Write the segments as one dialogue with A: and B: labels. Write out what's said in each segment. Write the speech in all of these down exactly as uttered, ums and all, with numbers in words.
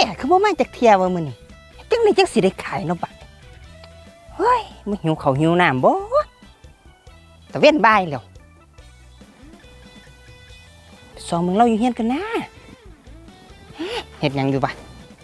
A: คือบ่มาจากเที่ยวว่ามื้อนี้จังได๋จังสิได้ขายเนาะบัดเฮ้ยมึงหิวข้าวหิวน้ำบ่ตะเว้นบ่ายแล้วสองมึงเราอยู่เฮียนกันนะเฮ็ดหยังอยู่บ่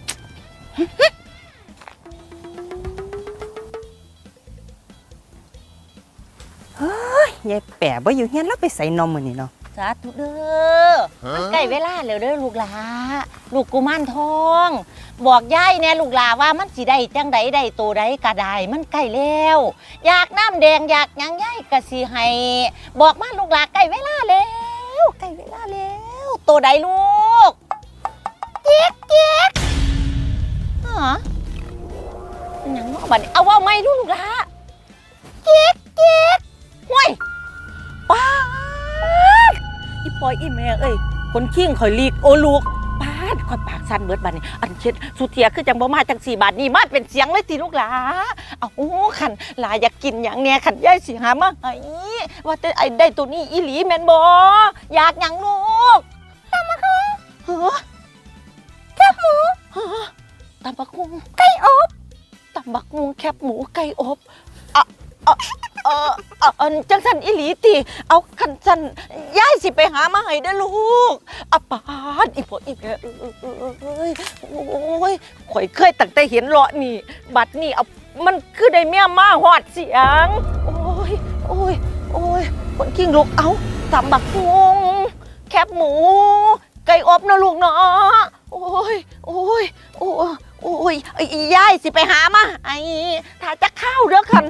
A: เฮ้ยยายแป๋บ่อยู่เฮียนแล้วไปใส่นมมื้อนี้เนาะ
B: สาธุเด้อมันใกล้เวลาแล้วเด้อลูกหลาลูกกุมารทองบอกยายแน่ลูกหลาว่ามันสิได้จังใดได้โตใดก็ได้มันใกล้แล้วอยากน้ำแดงอยากหยังยายก็สิให้บอกมาลูกหลาใกล้เวลาแล้วใกล้เวลาแล้วโตใดลูกเจ๊กเจ๊กฮะเป็นหยังเนาะบัดนี้เอาว่าไม่ลูกหลาเจ๊กเจ๊กห่วยป้าอีปอยอีแม่เอ้ยคนขิ้งข่อยลีกโอลูกปาดข่อยปากสั่นเบิดบาดนี้อันเช็ดสุเทียคือจังบ่มาจังสี่บาทนี่มาเป็นเสียงเลยติลูกหลาเอาโอ้ขันหลาอยากกินหยังแน่ขันยายสิหามาให้ว่าแต่ไอ้ได้ตัวนี้อีหลีแม่นบ่อยากหยังลูกตำบักหุ่งเฮ้อแคบหมูเฮ้อตำบักหุ่งไก่อบตำบักหุ่งแคบหมูไก่อบอ่ะเออเออเออจังสันอีหลีติเอาขันสันยายสิไปหามาให้เด้อลูกอะปาดอีพ่ออีแม่เอ้ยโอ้ยข่อยเคยตั้งแต่เห็นเลาะนี่บัดนี่เอามันคือได้เมียมาหอดเสียงโอ้ยโอ้ยโอ้ยคนกิ้งลูกเอาตำบักหุ่งแคบหมูไก่อบนะลูกเนาะโอ้ยโอ้ยโอ้ยโอ้ยยายสิไปหามาไอ้ถ้าจะเข้าเด้อคัน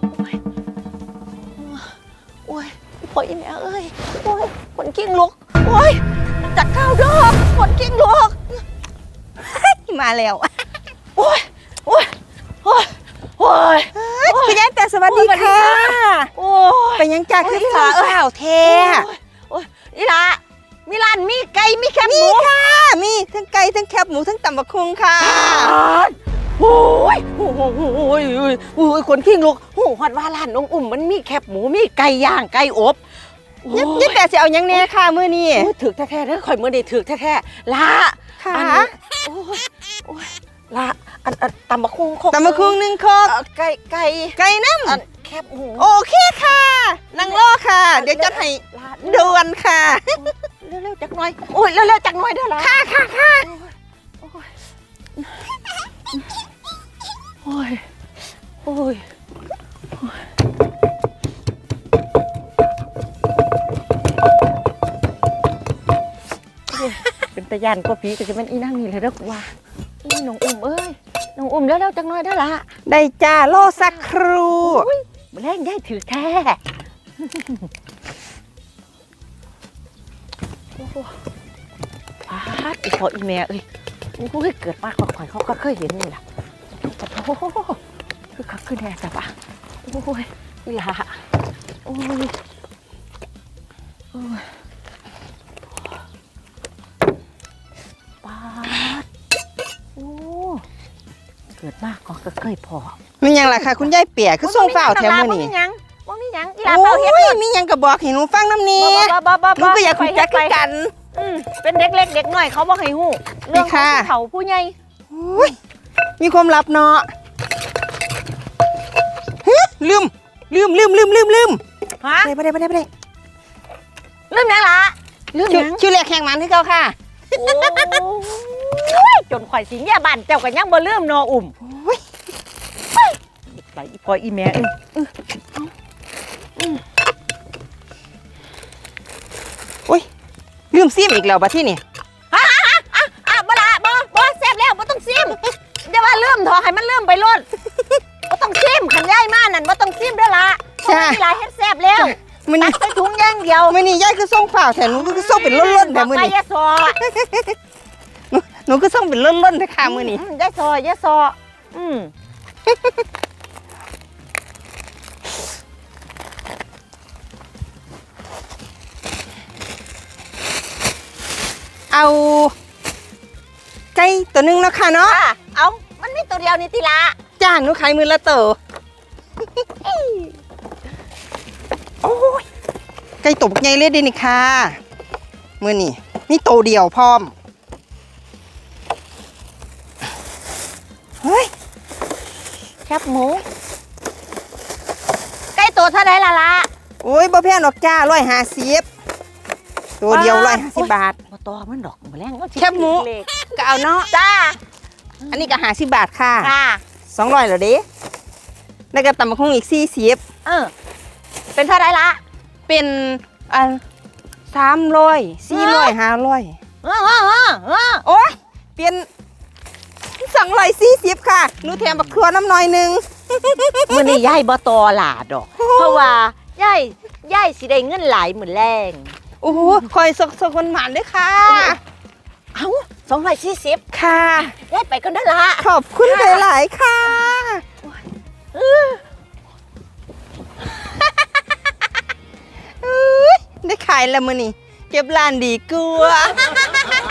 B: โอ้ยพ่ออีแม่เอ้ยโอ้ยคนกิ้งลูกโอ้ยจักข้าวดอกคนกิ้งลูก
A: มาแล้ว
B: โอ้ยโอ้ยโอ้ยโอ้ย
A: พี่ยายแต่สวัสดีค่ะโอ้ยไปยังจ่าคือสาวเอ้าแท้
B: โอ้ยอีหล่ะมีร้านมีไก่มีแคบหมู
A: ค่ะมีทั้งไก่ทั้งแคบหมูทั้งตำบักหุ่งค่ะ
B: โอ้ยโอ้ยโอ้ยโอ้ยคนขิ้งลูกโอ้ฮอดว่าร้านน้องอุ่มมันมีแคบหมูมีไก่ย่างไก่อบ
A: ยังแต่สิเอายังแน่ค่ะมื้อนี้
B: ถือแท้ๆเด้อข่อยมื้อนี้ถือแท้ๆละ
A: ค่ะ
B: โอ้ยโอ้ยละอันตำบักหุ่ง
A: ตำบักหุ่งหนึ่งคก
B: ไก่ไก่
A: ไก่น้
B: ำแคบหมู
A: โอเคค่ะนั่งรอค่ะเดี๋ยวจะให้ด่วนค่ะ
B: เร็วๆจักหน่อยโอ้ยเร็วๆจักหน่อยเด้อล่ะ
A: ค่ะค่ะค่ะ
B: โอ้ยโอ้ยเป็นตะยันก็ผีก็จะเป็นอีนั่งนี่เลยเด้อว่านี่น้องอุ้มเอ้ยน้องอุ้มเร็วๆจักหน่อยเด้อล่ะ
A: ได้จ้ารอสักครู่
B: มาแรงได้ถือแท้โอ้โหพาดอีพ่ออีแม่เอ้ยโอ้ยเกิดมาข่อยเขาก็เคยเห็นนี่แหละโอ้โหคือคักขึ้นแน่จ้ะปะโอ้ยอีหล่ะโอ้ยโอ้ยปาดโอ้เกิดมากก็เคยพอ
A: มีหยังล่ะค่ะคุณยายเปียคือส่งฝ้าวแถวมื้อนี้
B: มีหยังว่ามีหยังอีหล่ะเฝ้าเฮ็ด
A: มีหยังก็บอกให้หนูฟังนำนี้หนูก็อยากคุยจักกัน
B: อืมเป็นเด็กเล็กเด็กน้อยเขาบ่ให้ฮู้เรื่องของผู้เฒ่าผู้ใหญ่
A: มีความลับเนาะลืมลืมลืมลืมลืมลืม
B: ฮะ
A: ไปได้ไปได้ไปได้
B: ลืมยังล่ะ
A: ลืมยังชื่อแรกแข่งมันที่เขาค่ะ
B: โอ้ยจนข่อยสิแย่บ้านเจ้าก็ยังบ่ลืมเนาะอุ่มไปอีพ่ออีแม่เอ้ย
A: โอ้ยลืมซิมอีกแล้วบัดที่นี่
B: ฮะฮะอ่ะอ่ะบ่ละบ่บ่แซ่บแล้วบ่ต้องซิมอย่าว่าลืมเถอะให้มันลืมไปโลดบ่ต้องซิมขันย่ายมานั่นบ่ต้องซิมเด้อล่ะเพราะมีหลายเฮ็ดแซ่บแล้ว
A: มื้อนี้
B: ใส่ถุงอย่างเดียว
A: มื้อนี้ยายคือส่งฝ้าวแถวหนูคือส่งเป็นล้นๆแบบมื้อนี้
B: ยายซอ
A: หนูคือส่งเป็นล้นๆเด้อค่ะมื้อนี้
B: ยายซอยายซออืม
A: เอาไก่ตัวนึงเนาะค่ะเนาะ
B: เอามันมีตัวเดียวนี่ติละ
A: จ้าหนูขายมือละตัวโอ้ยไก่ตบไงเลยดินี่ค่ะมื้อนี้นี่ตัวเดียวพร้อม
B: แคบหมูไก่ตัวเท่าไรล่ะล่ะ
A: โอ้ยบ่แพงดอกจ้าร้อยห้าสิบตัวเดียวร้อยห้าสิบบาท
B: บ่ต่อมันดอกบ่แรงมันสิ
A: แคบหมู
B: เล็ก
A: ก็เอาเนาะ
B: จ้า
A: อันนี้ก็ห้าสิบบาทค่ะ
B: ค่ะ
A: สองร้อยเหรอเด้แล้วก็ตำบักหุ่งอีกสี่สิบ
B: เออเป็นเท่าไรล่ะ
A: เป็นอันสามร้อยสี่ร้อยห้าร้อย
B: เออเออเออเออ
A: โอ้ยเปลี่ยนสองร้อยสี่สิบค่ะหนูแถมบักครัวน้ำหน่อยหนึง
B: มื้อนี้ยายบ่ต่อหลาดอก เพราะว่ายายยายสิได้เงินหลายมื้อแรง
A: โอ้โหคอยสกสกคนหมานด้วยค่ะ
B: เอ้าสองร้อยสี่สิบ
A: ค่ะ
B: ยายไปกันได้อละ
A: ขอบคุณหลายๆค่ะเอ้ยได้ขายแล้วมื้อนี้เก็บร้านดีกว่า